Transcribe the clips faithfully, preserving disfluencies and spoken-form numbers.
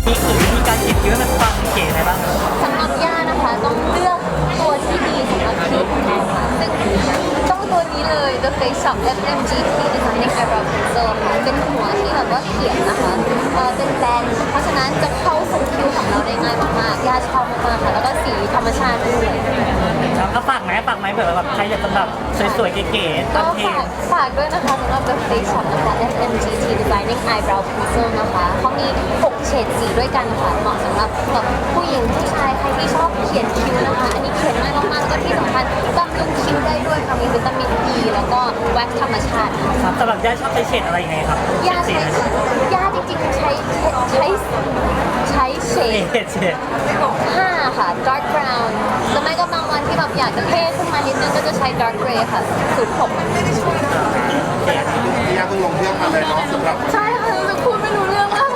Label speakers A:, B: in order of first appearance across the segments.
A: มีคือวิธีการเขียนคิ้วให้มันฟังเก๋อะไรบ้าง
B: สำหรับย่านะคะต้องเลือกตัวที่ดีสำหรับคิ้วของเราค่ะซึ่งต้องตัวนี้เลย The Face Shop เอฟ เอ็ม จี ที Designing Eyebrow Pencil ค่ะเป็นหัวที่แบบว่าเขียนนะคะเอ่อเป็นแบนเพราะฉะนั้นจะเข้าสู่คิ้วของเราได้ง่ายมากๆย่าชอบมากๆค่ะแล้วก็สีธรรมชาติด้วย
A: แล้วก็ฝากไหมฝากไหมเผื่อแบบใครอยากจะแบบสวยๆเก๋ๆ
B: ก็
A: ทำเพล
B: ฝาง กฝากด้วยนะคะสำหรับ The Face Shop นะคะ เอฟ เอ็ม จี ที Designing Eyebrow Pencil นะคะเขามีหกเฉดสีด้วยกันค่ะเหมาะสำหรับแบบผู้หญิงผู้ชายใครที่ชอบเขียนคิ้วนะคะอันนี้เขียนง่ายมากๆแล้วก็ที่สำคัญบำรุงคิ้วได้ด้วยค่ะมีวิตามินอีแล้วก็แว็กซ์ธรรมชาติ
A: ครับสำหรับย่าชอบใช้เฉดอะไรยังไงครับ
B: ยา
A: เฉ
B: ใช้
A: ดสี
B: ยาจริงๆใช้ใช้ใช้เฉ
A: อะไร
B: ด
A: เฉดเฉด
B: ห้าค่ะ dark brown หรือไม่ก็บางวันที่แบบอยากจะเท่ขึ้นมานิดนึงก็จะใช้ dark gray ค่ะศูนย์หก
C: พี่ยาเพิ่งลงเครื่องมาเลยเนาะสำหรับ
B: ใช่ค่ะจะพูดไม่รู้เรื่องมาก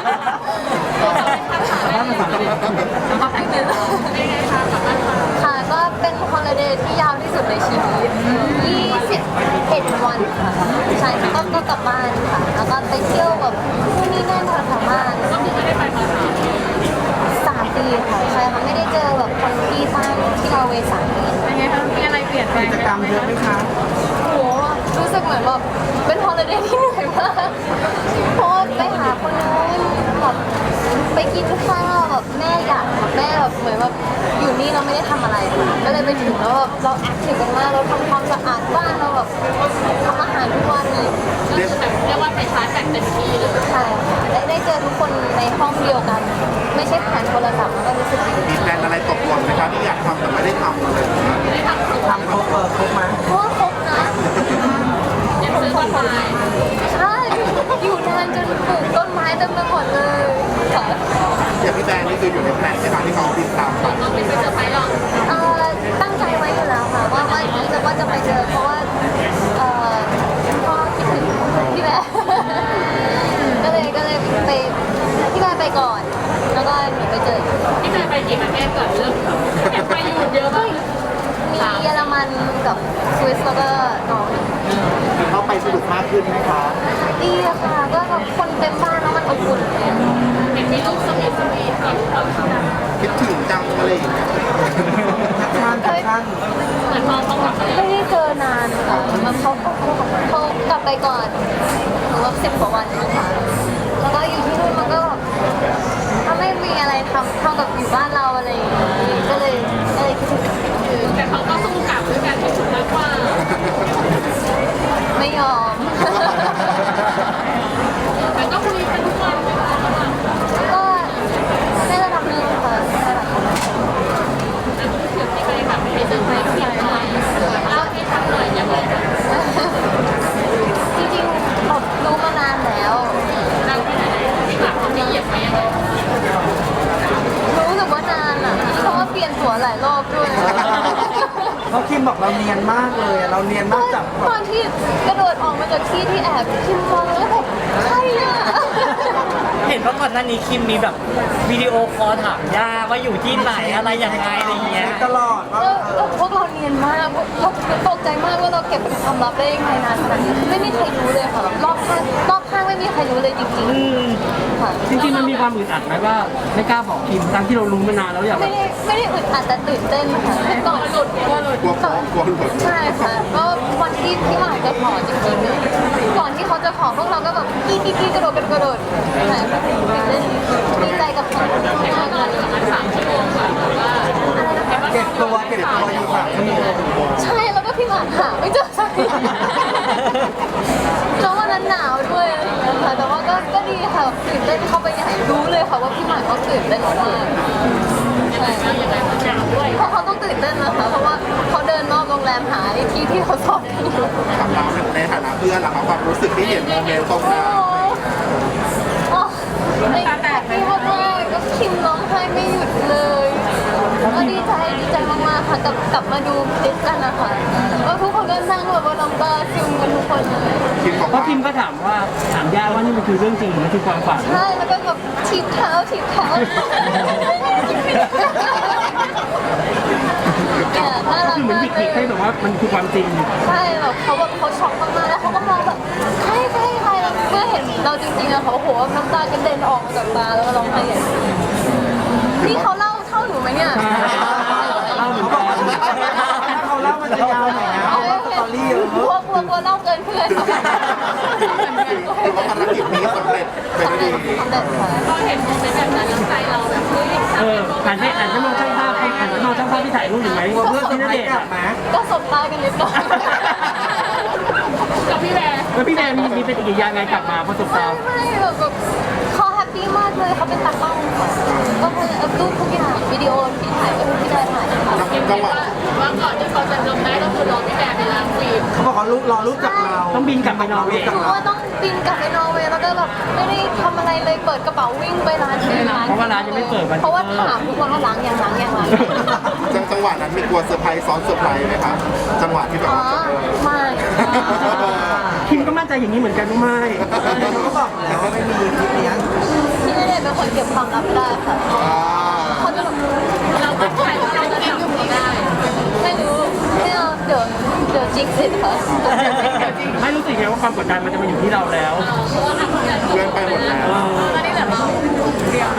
B: ค่ะก็เป็นฮอลิเดย์ที่ยาวที่สุดในชีวิตยี่สิบเอ็ดวันค่ะใช่ก็ก็กลับบ้านค่ะแล้วก็ไปเที่ยวแบบที่นี่นั่นแถวๆบ้านก็คือไม่ได้ไปมาสามปีค่ะใช่ค่ะไม่ได้เจอแบบคนที่บ้านที่เราเวสามปี
D: เป็นไงคะมีอะไรเปลี่ยนไป
C: กิจกรรมเยอะไหมคะ
B: โหรู้สึกเหมือนแบบเป็นฮอลิเดย์ที่เหนื่อยมากเพราะว่าไปหาคนนู้นแบบไปกินข้าวแบบแม่อยากแบบแม่แบบเหมือนแบบอยู่นี่เราไม่ได้ทำอะไร ก็เลยไปถึงแล้วแบบเราแอคทีฟกันมากเราทำความสะอาดบ้านเราแบบทำอาหารทุกวันเลย
C: เรียก
D: เรียกว่าไปชาร์จแบตเต็มที่เลย
B: ใช่ค่ะได้ได้เจอทุกคนในห้องเดียวกัน ไม่ใช่ผ่านโทรศัพท์แล้วก็รู้สึกดี
C: มีแพลนอะไรตกหล่นไหมคะที่อยากทำแต่ไม่ได้ทำอะไรอย่างเงี้ยทำครบเออครบไหม
B: เพราะว่าครบนะ
D: ยังซื้อคอนไลน์
B: ใช่อยู่นานจนปลูกต้นไม้เต็มไปหมดเลยค่ะ
C: อย่างพี่แบงค์นี่คืออยู่ในแพลนใช่ไหมที่เขาติดตามไป
D: ต้องเป็นเซอร์ไพรส์หรอก
B: เอ่อตั้งใจไว้อยู่แล้วค่ะว่าว่าจะว่าจะไปเจอเพราะว่าเอ่อพ่อคิดถึงพี่แบร์ ก็เลยก็เลยไปพี่แบร์ไปก่อน แล้วก็หนูไปเจอ
D: พี่เคยไปกี่ประเทศก่อนเริ่มอยากไปอยู่เยอะมาก
B: มีเยอรมันกับสวิสแล้วก็นอร์เวย์
C: เข้าไปสนุกมากขึ้นไหมคะ
B: ดีอะค่ะก็แบบคนเต็มบ้านแล้วมันอบอุ่นเลย
D: เห็นมีลูกสวีทสวีทค่ะ
C: คิดถึงจังอะไรอย่างเงี้ยท่านท่าน
D: เหมือนพอเขากลับมา
B: ไม่ได้เจอนานค่ะแบบเขาเขาเขากลับไปก่อนหรือว่าสิบกว่าวันนะคะแล้วก็อยู่ที่นู่นมันก็แบบถ้าไม่มีอะไรทำเท่ากับอยู่บ้านเราอะไรอย่างงี้ก็เลยก็เลยคิดถึง
D: แต่เขาก็สู้กลับด้วยกันที่สุดมากกว่า
B: ไม่ยอม
D: แต่ก็คุยกันทุกวันเลยค่ะ
B: ก็ในระดับหนึ่งค่ะในระดับหนึ่ง
D: ถึงที่ไปแบบไปเซอร์ไพรส์พี่หน่อยเล่าให้ฟังหน่อยยังไง
B: จริงๆแบบรู้มานานแล้ว
D: เราที่ไหนที่หลักเขาไม่เหยียบไหมยังไง
B: รู้สึกว่านานอ่ะเพราะว่าเปลี่ยนตัวหลายรอบด้วย
E: เขาคิมบอกเราเนียนมากเลยอะเราเนียนมากจากแบ
B: ต
E: บ
B: อนที่กระโดดออกมาจากที่ที่แอบคิมมองแล้วแบบใช่อ่ะ
A: เห็นว่าก่อนหน้านี้คิมมีแบบวิดีโอคอลถามย่าว่าอยู่ที่ไหนอะไรยังไงอะไรอย่างเงี้ย
E: ตลอดว่า
B: แล้วแล้วพวกเราเนียนมากเราตกใจมากว่าเราเก็บเป็นความลับได้ยังไงนานขนาดนี้ไม่มีใครรู้เลยค่ะแบบรอบข้างรอบข้างไม่มีใครรู้เลยจริง
A: อืม
B: ๆค่ะ
F: จริงๆมันมีความอึดอัดไหมว่าไม่กล้าบอกคิมทั้งที่เรารู้มานานแล้วอยากแบ
B: ไม่
F: บ
B: ได้ไม่ได้อึดอัดแต่ตื่นเต้นค่ะคือก่อนหลุดกลัวหลุด
C: กลัวฟ้องกลัวหลุด
B: ใช่ค่ะก็วันที่ที่หมายจะขอจริงๆเนี่ยก่อนที่เขาจะขอพวกเราก็แบบกี้กี้กี้กระโดดกระโดดใช่ค่ะตื่นเต้นดีใจกับเขามากๆเลย
D: สามชั่วโมงกว่าว่า
E: เก็บตัวเก็บตัวอยู่สามชั่วโมง
B: ใช่แล้วก็พี่หมากหาไม่เจอสักทีแล้ววันนั้นหนาวด้วยอะไรอย่างเงี้ยค่ะแต่ว่าก็ก็ดีค่ะตื่นเต้นเข้าไปใหญ่รู้เลยค่ะว่าพี่หมากเขาตื่นเต้นมากๆใช่
D: ยังไงมันหนาวด้วย
B: เพราะเขาต้องตื่นเต้นนะคะเพราะว่าเขาเดินรอบโรงแรมหาไอ้ที่ที่เขาสอนกันอยู่
C: ทำเราในฐานะเพื่อนล่ะครับความรู้สึกที่เห็นโมเมนต์ตรง
B: โอ้
C: นั้น
B: โหไอ้แตกที่มากๆก็คิมร้องไห้ไม่หยุดเลยก็ดีใจดีใจมากๆค่ะกลับกลับมาดูคลิปกันนะคะแล้วทุกคนก็นั่งแบบว่าน้ำตาซึมกันทุกคนเลย
C: คิดบอก
F: เพราะ
C: ว่า
F: คิมก็ถามว่าถามย่าว่านี่มันคือเรื่องจริงหรือมันคือความฝัน
B: ใช่แล้วก็แบบถีบเท้าถีบเท้าเนี่ยน่า
F: ก็
B: รัก
F: คือเหมือน
B: มาก
F: วิก
B: เล
F: ฤตให้
B: ย
F: แบบว่ามันคือความจริง
B: ใช่แบบเขาแบบเขาช็อกมากๆแล้วเขาก็มองแบบใครใครใครแล้วเมื่อเห็นเราจริงๆอะเขาโหน้ำตากระเด็นออกมาจากตาแล้วก็ร้องไห้ใหญ่นี่เขาเล่าเท่าหนูไหมเนี่ย
F: เล่าเหมือนกัน
E: ถ้าเขาเล่ามันจะยาวหน่อยนะเพราะว่าสตอรี่เยอะ
B: กลัวกลัวกลัวเล่าเกินเพื่อน
C: คือว่าภารกิจนี้สำเร็จไปด้วยดี
B: สำเร็จค่ะ
D: พอเห็นโมเมนต์แบบนั้นแล้วใจเราแบบเฮ้ย
F: เออหันให้หันให้มองช่างภาพให้หันให้มองช่างภาพที่ถ่ายรูปอยู่ไหม
E: กลัวเพื่อน
F: ที่
E: จะ
F: น
E: ไป
F: เดชน์
E: กลั
F: อะ
E: บมา
B: ก็สบตากันนิดหน่อย
D: กับพี่แบร์
F: แล้วพี่แดนมีมีเป็นอีกอย่างไงกลับมาประสบ
B: ไม่
F: การณ์
B: ไม่แบบแบบเขาแฮปปี้มากเลยเขาเป็นตากล้องค่ะก็คืออัพรูปทุกอย่างวิดีโอที่ถ่ายก็ที่ได้ถ่ายค่ะ
C: จังหวะ
D: ว่าก่อนที่เขาจะลงได้ก็คือรอพี่แบร์ไปล้างฟิล์ม
E: เขาบอกเขารู้รอรู้จักเรา
F: ต้องบินกลับไปนอร์เวย์
B: หนูว่าต้องบินกลับไปนอร์เวย์แล้วก็แบบไม่ได้ทำอะไรเลยเปิดกระเป๋าวิ่งไปร้านที่ร้าน
F: เพราะว่าร้านยังไม่เปิดวัน
B: เพราะว่าถามทุกคนว่าล้างยังล้างยังล้าง
C: จังจังหวะนั้นมีกลัวเซอร์ไพรส์ซ้อนเซอร์ไพรส์ไหมครับจังหวะที่แบบ
B: อ๋อ
C: ว่า
B: ไม่
F: คิมก็มั่นใจอย่างนี้เหมือนกันว่าไม่
E: เขาก็บอกแล้วว่าไม่มีคลิปเนี้ย
B: ที่ไม่ได้เป็นคนเก็บความลับไม่ได้ค่ะ
C: อ่า
B: เขาจะแบบ
D: เราก็ใช้ว่าเราจะทำไม่ได้
B: ไม่รู้ไม่เอาเดี๋ยวเดี๋ยวจิกสิค่ะ
F: ไม่รู้สึกไงว่าความกดดันมันจะมาอยู่ที่เราแล้ว
D: เพราะว่าทำทุกอย่าง
C: เพื่อนไปหมดแล้ว
D: ตอนนี้เหลือเราเดียว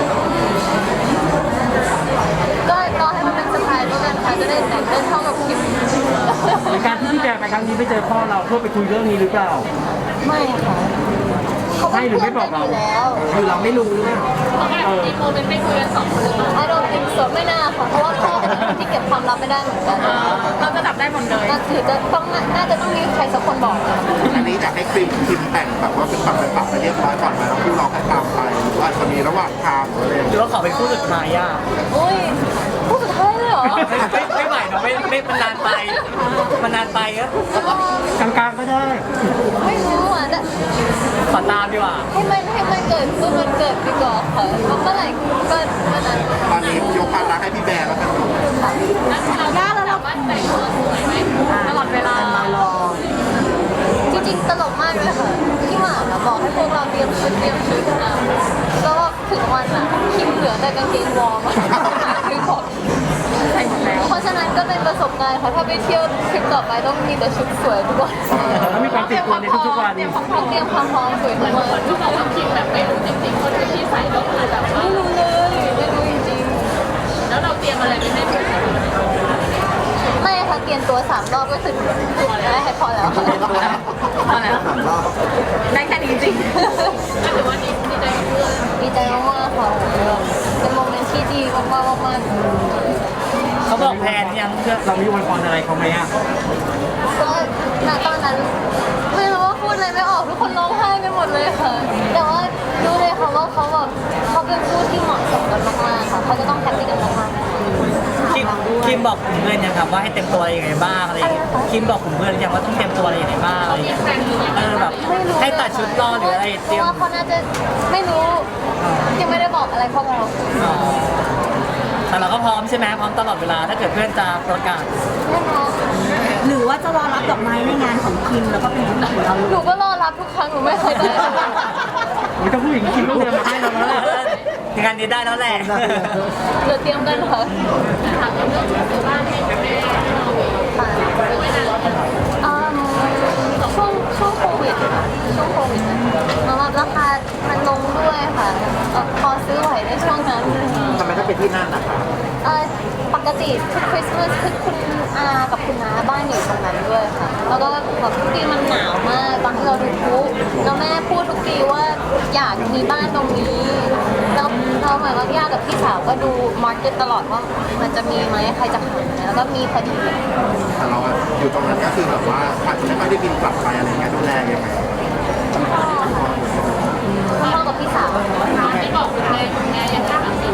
B: ก็รอให้มันเป็นสไตล์แล้วกันค่ะจะได้แต่งเต้นเท่ากับคิม
F: ในการที่พี่แบร์ไปครั้งนี้ไปเจอพ่อเราเพื่อไปคุยเรื่องนี้หรือเปล่า
B: ไม่ค่ะเขาเป็น
F: ให้หรือ
B: เพื่
F: ไม่
B: อน
F: บ
B: กั
F: อน ก
B: อ
F: เรา
B: ยู่แล้ว
E: คือเราไม่รู้นะ
D: เขาแบบมีโมเมนต์ไปคุยกันสองคนเลย
B: I don't think so ไม่น่าค่ะ เพราะว่าพ่อเป็นคนที่เก็บความลับไม่ได้เหมือนกัน
D: เราจะจับได้หมดเลย
B: ก็คือจะต้องน่าจะต้องมีใครสักคนบอกค่ะ
C: อันนี้อยากให้ครีมคิมแต่งแบบว่าเป็นปักเป็นปักไปเรียบร้อยก่อนไหมแล้วคู่เราค่อยตามไปหรือว่าอาจจะมีระหว่างทางหรืออะไรอย่าง
A: ห
C: เงี้ย
A: รือว่าขอเป็นคู่สุดท้ายอ่ะ
B: อุ้ยพูดสุดท้ายเลยเหรอ
A: ไม่ไม่ไหวเนาะไม่ไม่มันนานไปมันนานไปก็
F: กลางๆก็ได้
B: ไม่รู้อ่ะแต่
A: ขอตามดีกว่า
B: ให้มันให้มันเกิดก็มันเกิดดีกว่าค่ะเมื่อไหร่ก็เมื่อนั้น
C: ตอนนี้ยกภาระให้พี่แบร์แล้วกัน
D: เราได้แล้วเราว่าแต่งตัวสวยไหมตลอดเวลา
E: มารอ
B: จริงๆตลกมากเลยค่ะพี่หมาอะบอกให้พวกเราเตรียมชุดเตรียมชุดนะก็ถึงวันอ่ะคิมเหลือแต่กางเกงวอร์มอะคือบอก
D: ใส่หมดแล้ว
B: เพราะฉะนั้นก็เป็นประสบการณ์ค่ะถ้าไปเที่ยวทริปต่อไปต้องมีแต่ชุดสวยทุกวัน
F: แล้วมีความติดตัวในทุกๆวัน
B: ต้องเตรียมความพร้อมสวยทุกวัน
D: ที่บอกว่าคิมแบบไม่รู้จริงๆคนที่ใส่ก็คือแบบว่า
B: ไม่รู้เลยไม่รู้จริง
D: แล้วเราเตรียมอะไรไปให้เพื่อน
B: ๆไม่ค่ะเปลี่ยนตัวสามรอบก็คือได้ให้พอแล้วค่ะ
D: พอแล้ว
E: สามรอบ
D: ได้แค่นี้จริงก็ถือว่าดีดีใจกับเพื่อน
B: ดีใจมากๆค่ะเป็นโมเมนต์ที่ดีมากๆมากๆ
A: เขาบอกแพนยังเพื่อ
F: เรามีอวยพรอะไรเขาไหมอ่ะ
B: ก็ณตอนนั้นไม่รู้ว่าพูดอะไรไม่ออกทุกคนร้องไห้กันหมดเลยค่ะ แต่ว่ารู้เลยค่ะว่าเขาแบบเขาเป็นคู่ที่เหมาะสมกันมากๆค่ะเขาจะต้องแฮปปี้กันมากๆ
A: คิมคิมบอกขุมเพื่อนยังครับว่าให้เต็มตัวอะไรยังไงบ้างอะไรอย่างเงี้ยคิมบอกขุมเพื่อนยังว่าต้องเตรียมตัวอะไรยังไงบ้างอะไรอย่างเงี้ยเออแบบ
B: ไม่รู้
A: ให้ตัดชุดรอหรืออะไร
B: เพ
A: เตรีย
B: ราะ
A: ม
B: ว่าเขาน่าจะไม่รู้ยังไม่ได้บอกอะไรพวกเรา
A: อ๋อแต่เราก็พร้อมใช่ไหมพร้อมตลอดเวลาถ้าเกิดเพื่อนจะประกาศ
B: แน่นอน
G: หรือว่าจะรอรับดอกไม้ในงานของคิมแล้วก็เป็นของเรา
B: หนูก็รอรับทุกครั้งหนูไม่เคยได้
F: ไม่ต้องพูดอย่างนี้คิมต้องเดินมาให้เราแล้วล่ะ
A: งานนี้ได้แล้วแหละ
B: เดี๋ยวเตรียมกันค่ะ
D: ถามเรื่องซื้อบ้านให้กับแม่
B: ค่ะอืมช่วงช่วงโควิดค่ะช่วงโควิดแล้วแบบราคามันลงด้วยค่ะเอ่อพอซื้อไหวในช่วงนั้น
E: ทำไมถ้าเป็นที่นั่นอ่ะ
B: เอ่อปกติทุกคริสต์มาสคือคุณอากับคุณน้าบ้านอยู่ตรงนั้นด้วยค่ะ แล้วก็แบบทุกปีมันหนาวมากตอนที่เราดูพลุแล้วแม่พูดทุกปีว่าอยากมีบ้านตรงนี้แล้วเราเหมือนว่าย่ากับพี่สาวก็ดูมาร์เก็ตตลอดว่ามันจะมีไหมใครจะขายไหมแล้วก็มีพอดี
C: แต่เราอะอยู่ตรงนั้นก็คือแบบว่าอาจจะไม่ค่อยได้บินกลับไปอะไรเงี้ยดูแลยังไง
B: คุณพ่อค่ะคุณพ่อกับพี่สาว
D: ที่บอกคุณแม่คุณแม่ยังกล้าทำสิ่ง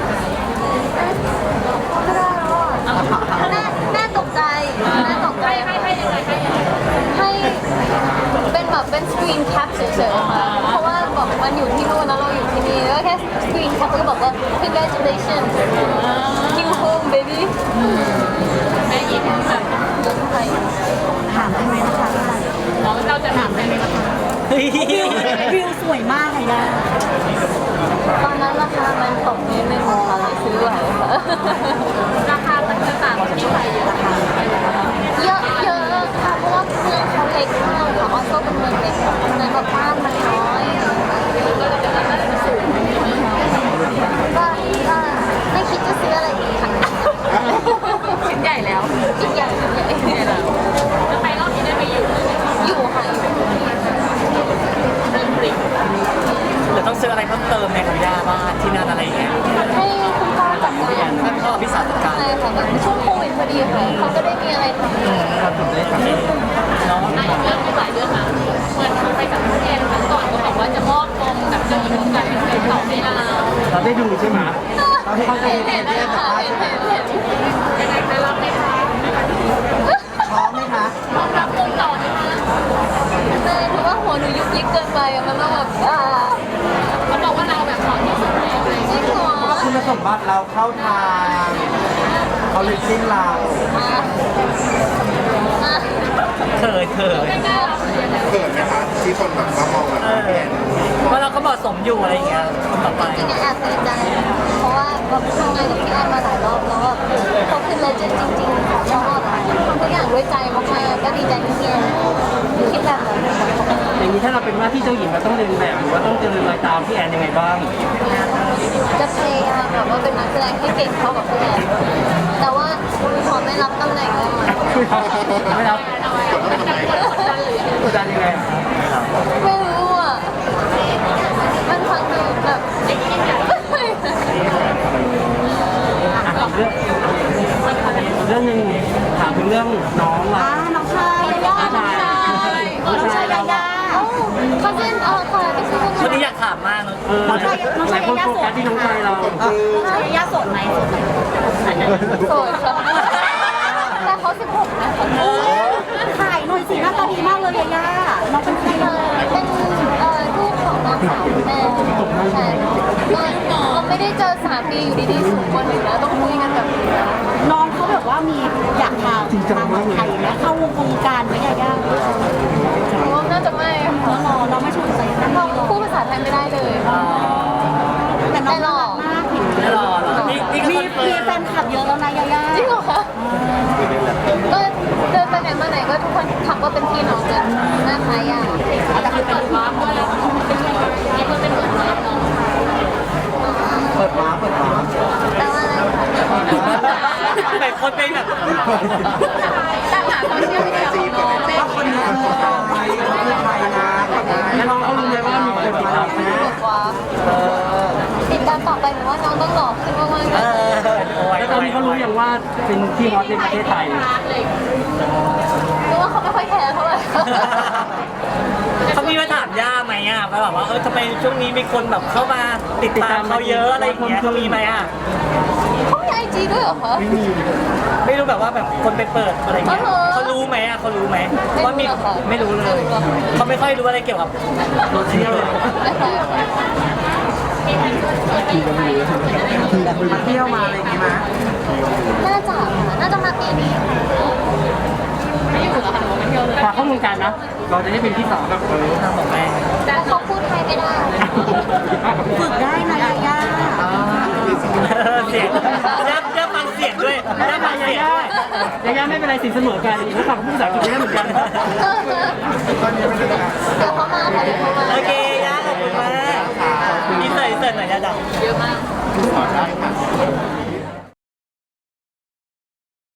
B: ไม่ได้แล้วอ่ะแม่แม่ตกใจแม่ตกใจ
D: ให้ให้ให้ยังไงให้ยังไง
B: ให้เป็นแบบเป็นสกรีนแคปเฉยๆค่ะ เพราะว่าแบบมันอยู่ที่นู่นแล้วเราอยู่ที่นี่แล้วแค่สกรีนแคปก็บอกว่า congratulations you home baby
D: แม่ยิ้มแบบ
B: ใช่
G: ถามได้ไหมนะคะ
D: เราเราจะถามได้ไหมคะ
G: วิวสวยมากเลยนะ
B: ตอนนั้นราคามันตกนิดนึงค่ะเลยซื้อไหวค่ะ
D: ราคามันจะต่างกับที่ไทยราคา
B: เยอะเยอะค่ะเพราะว่าเมืองเขาเล็กมากค่ะออสโซเป็นเมืองเล็กเพราะฉะนั้นแบบบ้านมันน้อย
A: ที่นั่นอะไรอย่างเงี้ย
B: ให้คุณพ่อจัดการ
A: ท่านพ่อพี่สาวจัดการ
B: ใช่ค่ะแบบช่วงโควิดพอดีค่ะเขาก็ได้มีอะไรทำ
F: เราถึงได้กลับมา
A: เนาะ
D: อ่ะอีกเรื่องที่หลายเรื่องนะเหมือนไปสัมภาษณ์แอนครั้งก่อนก็บอกว่าจะมอบกองกับเจ้าหญิงกันเป็นต่อให้เรา
F: เราได้ดูใช่ไหม
E: เราเห็น
B: เห็นเห็นเลยค่ะเห็นเห็นเห็น
D: ยังไงคะรับไหมคะ
E: ท้องไหมคะ
D: พร้อมรับวงต่อไหมคะ
B: ใช่ถือว่าหัวหนูยุบยิบเกินไปอะมันต้องแบบอ่า
D: เขาบอกว่าเราแบบเหมาะที่สุดแล้วอะไรอย่าง
B: จริ
D: เงี้ย
B: งเหรอ
E: คุณสมบัติเราเข้าทางเขาเลยจิ้นเรา
B: อ่ะอ่ะ
A: เขินเขิน
C: เขินไหมคะที่คนแบบมามองแบบ
A: เออ
C: พี่แอน
A: เพราะเราก็เหมาะสมอยู่อะไรอย่างเงี้ยคนต่อไป
B: จริงๆแอบดีใจเพราะว่าแบบทำงานกับพี่แอนมาหลายรอบแล้วแบบเขาคือเลเจนด์จริงๆแล้วแบบทำทุกอย่างด้วยใจมากๆก็ดีใจที่พี่แอนคิดแบบนั้น
F: อย่างนี้ถ้าเราเป็นว่าที่เจ้าหญิงเราต้องเรียนแบบหรือว่าต้องเจริญรอยตามพี่แอนยังไงบ้าง
B: จะพยายามแบบว่าเป็นนักแสดงที่เก่งเท่ากับพี่แอนแต่ว่าขอไม่รับตำแหน่งได้ไหม
F: ไม่รับ
C: กดต้องทำไม
F: กดดันยังไง
B: ไม่รู้อ่ะมันฟังดูแบบ
F: อ่ะอีกเรื่องเรื่องหนึ่งถามถึงเรื่องน้องอ่ะ
G: อ่าน้องชายยาย่าน้องชายน้องชายยาย่า
B: เอ้าเขาเป็นเออค่ะเป็นชื่อ
A: คนนี้อยากถามมากเลย
F: เออหลายคนโฟกัสที่น้องชายเรา
G: น้องชายยาย่าโสดไหมโสดไหม
B: โสดค่ะแต่เขาสิบหกนะคะ
G: ถ่ายหน่อยสิหน้าตาดีมากเลยยาย่าน้องเป็นใคร
B: เอ
G: เล
B: อย เป็นเอ่อลูกของน้องสาวคุณแม่ใช่ก็เราไม่ได้เจอสามปีอยู่ดีๆสูงคนหนึ่งแล้วต้องคุยกันแบบนี้นะ
G: น้องเขาแบบว่ามีอยากทำทางเมืองไทยไหมเข้าวงการไหมยาย่า
B: เพราะว่าน่าจะไม่ค่ะ
G: น้องน้องไม่ชวนใจนั่น
B: น้อง
G: นี่หรอ
B: พูดภาษาไทยไม่ได้เลย
G: แต่น้องน่ารักมากเห็น
A: ไม่รอหรอนี่นี่ก็
G: มี
A: คอนเฟิ
G: มี
A: ร์ม
G: แฟนคลับเยอะแล้วนะยาย่า
B: จริงเหรอคะก็เดินไปไหนมาไหนก็ทุกคนทักว่าเป็นพี่น้องกันหน้าคล้ายอ่ะ
D: แต่คือเปิดวาร์ปด้วยแล้วเป็นยังไงมีคนเป็นเปิดวาร์ปเนาะ
E: เปิดม้าเปิดม้า
B: แต่ว่าอะไรคะ
A: แต่คนเป็นแบบ
D: แต่หาโซเชียลมีเดียของน้องเป็น
E: ถ้าคนนี้คือใครคือใครนะก่อนหน้า
F: แล้วน้องเขารู้ไหมว่ามีคนติดตามไหม
B: บอกว่าติดตามต่อไปหนูว่าน้องต้องหล่อขึ้นมากๆ
A: เอ
B: นะ
A: อโอ้ย
F: แล้วตอนนี้เขารู้ยังว่าเป็นที่ฮอตในประเทศไทย
D: รักเลย
B: หรือว่าเขาไม่ค่อยแคร์เท่าไหร่
A: เขามีมาถามย่าไหมอ่ะว่าแบบว่าเออทำไมช่วงนี้มีคนแบบเข้ามาติดตามเขาเยอะอะไรอย่างเงี้ยเขามีไหมอ่ะ
B: เขามีไอจีด้วยเหรอคะ
A: ไม่รู้แบบว่าแบบคนไปเปิดอะไรเงี้ย
B: อ๋อเหรอ
A: เขารู้ไหมอ่ะเขารู้ไหม
B: ไม่รู้
A: ว่ามี
B: หรอกค่ะ
A: ไม่รู้เลย
B: ไม่รู้หรอก
A: เขาไม่ค่อยรู้อะไรเกี่ยวกับโซเชียล
B: ไม่ค่อยค่ะ
E: มาเที่ยวมาอะไรอย่างงี้มั้ย
B: น่าจะค่ะน่าจะมาปีนี้ค่ะ
D: ไม่อยู่แล้วค่ะหนูไม่เที่ยวเลย
F: ฝากเข้าวงการนะ เราจะได้เป็นที่สองแบบเออ
A: ทางของแม่
B: แต่เขาพูดไทยไม่ได้
G: ฝึกได้นะยาย่า
A: เสียงย่าย่าฟังเสียงด้วยย่าฟัง
F: ยา
A: เสียง
F: ย่า
A: ด้วย
F: ยาย่าไม่เป็นไรสินเสมอกันแล้วฝั่งผู้ภาษาอังกฤษได้เหมือนกัน
B: เดี๋ยวเขามาค่ะเดี๋ยวเขามา
A: โอเคย่าขอบคุณมากนี่เสิร์ฟเสิร์ฟหน่อยย่าดัง
D: เยอะมาก
C: ขอได้ค่ะ